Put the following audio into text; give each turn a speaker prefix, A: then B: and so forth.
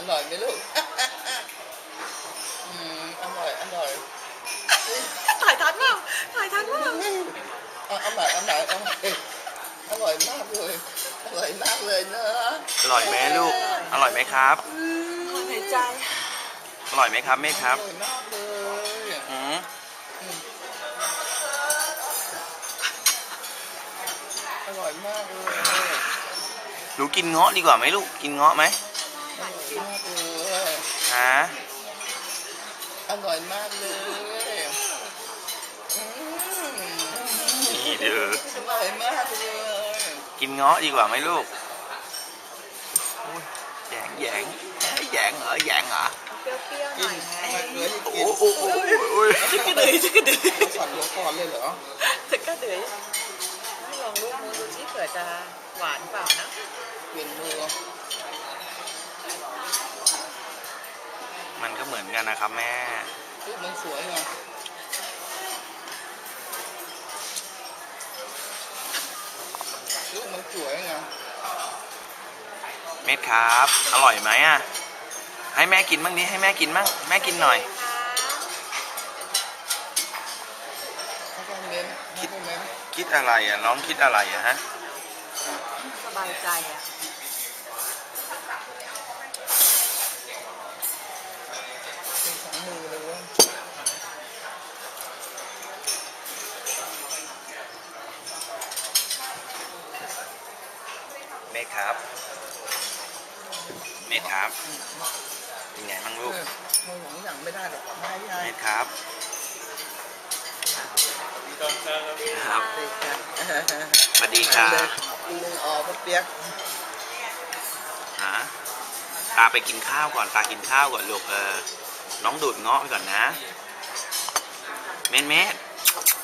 A: ร่อยไหมลูกอร่อยอร่อย
B: ถ่ายทันเปล่าถ่ายทันเปล่า
A: อร่อยอร่อยอร่อยมากเลยอร่อยมากเลยเนอะ
C: อร่อยไหมลูกอร่อยไหมครับ
B: หายใจ
C: อร่อยไหมครับเมฆครับ
A: อร่อยมากเลยอร่อยมากเลย
C: หนูกินเงาะดีกว่าไหมลูกกินเงาะไหม
A: อร่อยมากเลย
C: ฮะ
A: อร่อยมากเลย
C: นี่เด้อ
A: อร่อยมากเลย
C: กินเงาะดีกว่าไหมลูกแยงเหรอแยงเหรอ
B: เปรี้ยวๆหน่อยไง
C: โอ้ย
B: จะกระเดยจะกระเดย
A: สั่นหัวก่อนเลยเหรอ
B: จะกระเดยให้ลองลูกมือดูที่เผื่อจะหวานเปล่านะ
A: เปลี่ยนมือ
C: มันก็เหมือนกันนะครับแม่
A: รูปมันสวยไงรูปมันสวยไง
C: เม็ดครับอร่อยไหมอ่ะให้แม่กินบ้างดิให้แม่กินบ้างแม่กินหน่อยคิดอะไรอ่ะน้องคิดอะไรอ่ะฮะ
B: สบายใจอ่ะ
A: เป็นสองมือเลยเว้ย
C: เม็ดครับเม็ดครับเป็นไงบ้างลูก
A: มือของอย่างไม่ได้หรอกไม่ได้
C: เม็ดครับครับสวัสดีครับ
A: ลุงออกเปียก
C: ฮะตาไปกินข้าวก่อนตากินข้าวก่อนลูกน้องดูดเงาะไปก่อนนะเม็ด